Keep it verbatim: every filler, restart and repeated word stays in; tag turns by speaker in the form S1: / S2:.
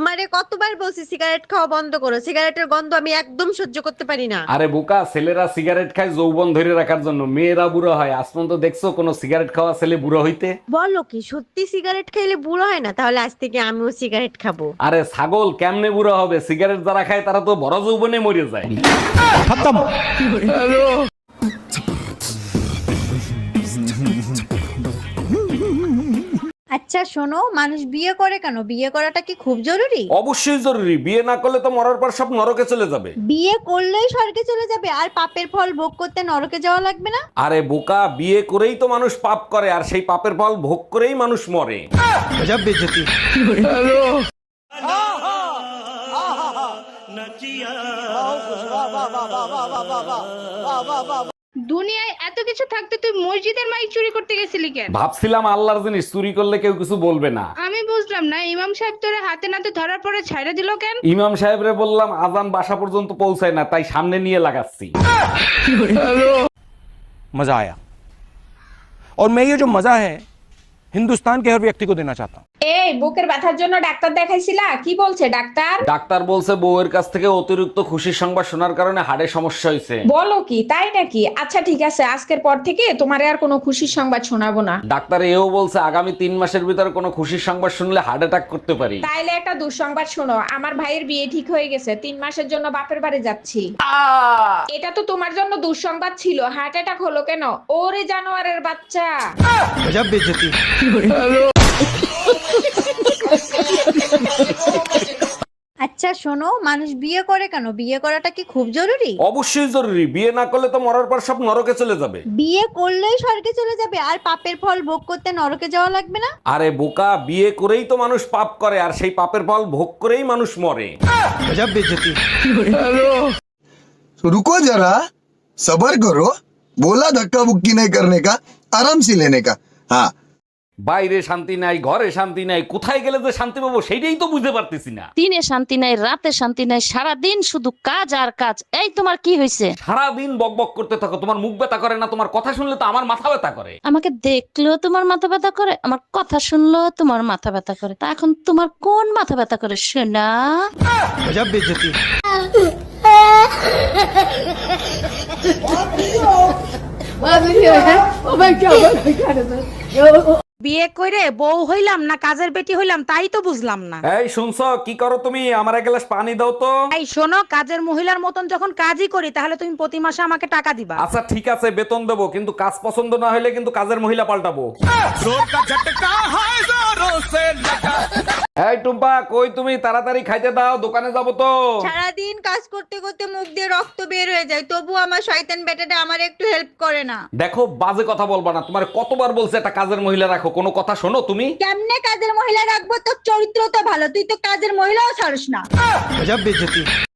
S1: তোমারে কতবার বলছি সিগারেট খাওয়া বন্ধ করো, সিগারেটের গন্ধ আমি একদম সহ্য করতে পারি না।
S2: আরে বোকা, ছেলেরা সিগারেট খায় যৌবন ধরে রাখার জন্য, মেয়েরা বুড়ো হয়। আজ পর্যন্ত দেখছো কোনো সিগারেট খাওয়া ছেলে বুড়ো হইতে?
S1: বলো কি সত্যি সিগারেট খাইলে বুড়ো হয় না? তাহলে আজ থেকে আমিও সিগারেট খাবো।
S2: আরে ছাগল, কেমনে বুড়ো হবে? সিগারেট যারা খায় তারা তো বড় যৌবনে মরে যায়।
S1: আচ্ছা শোনো, মানুষ বিয়ে করে কেন? বিয়ে করাটা কি খুব জরুরি?
S2: অবশ্যই জরুরি, বিয়ে না করলে তো মরার পর সব নরকে চলে যাবে।
S1: বিয়ে করলেই স্বর্গে চলে যাবে আর পাপের ফল ভোগ করতে নরকে যাওয়া লাগবে না?
S2: আরে বোকা, বিয়ে করেই তো মানুষ পাপ করে, আর সেই পাপের ফল ভোগ করেই মানুষ মরে।
S3: দুনিয়ায় এত কিছু থাকতে তুই মসজিদের মাইক চুরি করতে গেছিলি কেন?
S2: ভাবছিলাম আল্লাহর জিনিস চুরি করলে কেউ কিছু বলবে না।
S3: আমি বুঝলাম না, ইমাম সাহেব তোরে হাতে নাতে ধরার পরে ছাইড়া দিল কেন?
S2: ইমাম সাহেবরে বললাম আজান বাসা পর্যন্ত পৌঁছায় না, তাই সামনে নিয়ে লাগাচ্ছি।
S4: मजा आया और मैं ये जो मजा है हिंदुस्तान के हर व्यक्ति को देना चाहता हूँ।
S5: এই বুকের ব্যথার জন্য ডাক্তার দেখাইছিলা? কি বলছে ডাক্তার?
S2: ডাক্তার বলছে বউয়ের কাছ থেকে অতিরিক্ত খুশির সংবাদ শোনার কারণে হাড়ে সমস্যা হয়েছে।
S5: বলো কি, তাই নাকি? আচ্ছা ঠিক আছে, আজকের পর থেকে তোমারে আর কোনো খুশির সংবাদ শোনাবো না।
S2: ডাক্তার এও বলছে আগামী তিন মাসের ভিতরে কোনো খুশির সংবাদ শুনলে হার্ট অ্যাটাক করতে পারি।
S5: তাইলে একটা দুঃসংবাদ শোনো, আমার ভাইয়ের বিয়ে ঠিক হয়ে গেছে, তিন মাসের জন্য বাপের বাড়ি যাচ্ছি। এটা তো তোমার জন্য দুঃসংবাদ ছিল, হার্ট অ্যাটাক হলো কেন? ওরে জানোয়ারের বাচ্চা।
S1: আচ্ছা শোনো, মানুষ বিয়ে করে কেন? বিয়ে করাটা কি খুব জরুরি?
S2: অবশ্যই জরুরি, বিয়ে না করলে তো মরার পর সব নরকে চলে যাবে।
S1: বিয়ে করলেই স্বর্গে চলে যাবে আর পাপের ফল ভোগ করতে নরকে যাওয়া লাগবে না?
S2: আরে বোকা, বিয়ে করেই তো মানুষ পাপ করে, আর সেই পাপের ফল ভোগ করেই মানুষ মরে।
S6: तो रुको जरा, सबर करो। बोला धक्का बुक्की नहीं करने का, आराम से लेने का। हाँ,
S2: বাইরে শান্তি নাই, ঘরে শান্তি নাই, কোথায় গেলে যে শান্তি পাবো সেটাই তো বুঝতে পারতেছি না।
S7: দিনে শান্তি নাই, রাতে শান্তি নাই, সারাদিন শুধু কাজ আর কাজ। এই তোমার কি হয়েছে?
S2: সারাদিন বক বক করতে থাকো, তোমার মুখ ব্যথা করে না? তোমার কথা শুনলে তো আমার মাথা ব্যথা করে।
S7: আমাকে দেখলেও তোমার মাথা ব্যথা করে, আমার কথা শুনলেও তোমার মাথা ব্যথা করে। তা এখন তোমার কোন মাথা ব্যথা করে শোনা?
S8: বিয়ে করে বউ হইলাম না কাজের বেটি হইলাম তাই তো বুঝলাম না।
S2: এই শুনছো, কি করো তুমি? আমার এক গ্লাস পানি দাও তো।
S8: এই শোনো, কাজের মহিলার মতন যখন কাজই করি তাহলে তুমি প্রতি মাসে আমাকে টাকা দিবা।
S2: আচ্ছা ঠিক আছে, বেতন দেবো, কিন্তু কাজ পছন্দ না হলে কিন্তু কাজের মহিলা পাল্টাবো। এই টুম্পা, কই তুমি? তাড়াতাড়ি খাইতে দাও, দোকানে যাবো তো।
S1: সারাদিন কাজ করতে করতে মুখ দিয়ে রক্ত বের হয়ে যায়, তবু আমার শয়তান বেটাটা আমার একটু হেল্প করে না।
S2: দেখো, বাজে কথা বলবা না। তোমার কতবার বলছে একটা কাজের মহিলা রাখো, কোনো কথা শোনো তুমি?
S1: কেমনে কাজের মহিলা রাখবো? তোর চরিত্র তো ভালো, তুই তো কাজের মহিলাও ছাড়স না।